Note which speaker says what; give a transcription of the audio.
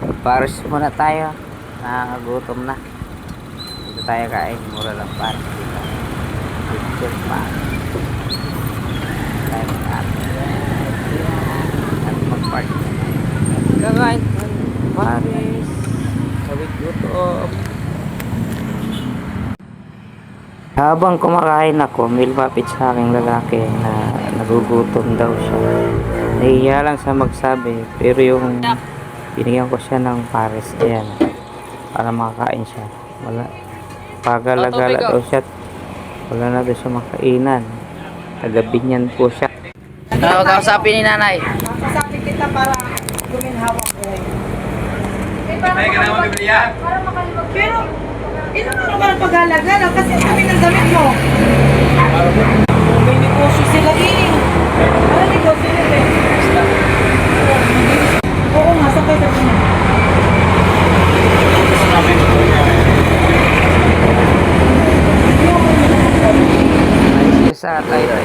Speaker 1: Paris muna tayo. Nakakagutom na. Dito tayo kain. Mura lang Paris dito. Picture pa. Tayo at mag-park. Kakain Paris. Sabit gutom. Habang kumakain ako, may lumapit sa aking lalaki na nagugutom daw siya. Nahiya lang sa magsabi, pero yung binigyan ko siya ng Paris, ayan, para makakain siya. Wala, pagala-gala daw siya, wala na daw siya makainan. Tagabinyan po siya. Ano, kausapin ni nanay?
Speaker 2: Kausapin kita para guminhawak ko.
Speaker 3: Ay, kailangan mabibilihan.
Speaker 2: Pero, ito nga naman ang pag-alagala kasi ang dami ng damit mo. May negosyo sila eh. Ano negosyo nila eh? Oo nga, sakay ka na.
Speaker 1: Sa tayo.